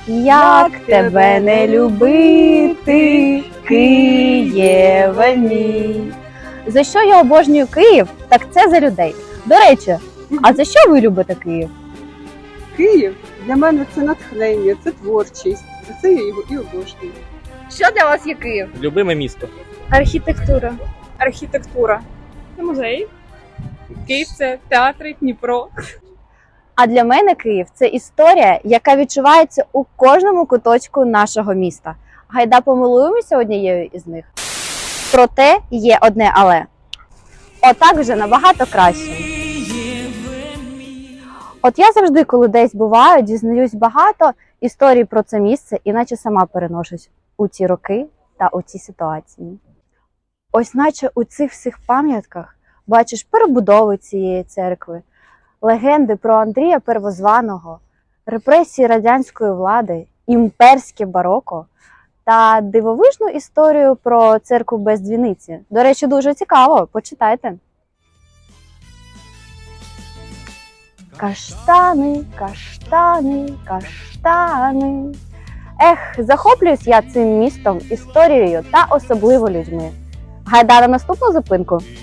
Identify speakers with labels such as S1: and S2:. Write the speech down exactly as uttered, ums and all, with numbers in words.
S1: Як тебе не любити, Києве мій. За що я обожнюю Київ? Так це за людей. До речі, а за що ви любите Київ?
S2: Київ для мене це натхнення, це творчість. За це я його і обожнюю.
S1: Що для вас є Київ?
S3: Любиме місто.
S4: Архітектура. Архітектура. Це музей. Київ це театри, Дніпро.
S1: А для мене Київ – це історія, яка відчувається у кожному куточку нашого міста. Гайда помилуємося однією із них. Проте є одне але. Отак вже набагато краще. От я завжди, коли десь буваю, дізнаюсь багато історій про це місце, іначе сама переношусь у ті роки та у ці ситуації. Ось наче у цих всіх пам'ятках бачиш перебудови цієї церкви, легенди про Андрія Первозваного, репресії радянської влади, імперське бароко та дивовижну історію про церкву без дзвіниці. До речі, дуже цікаво, почитайте. Каштани, каштани, каштани. Ех, захоплююсь я цим містом, історією та особливо людьми. Гайда на наступну зупинку.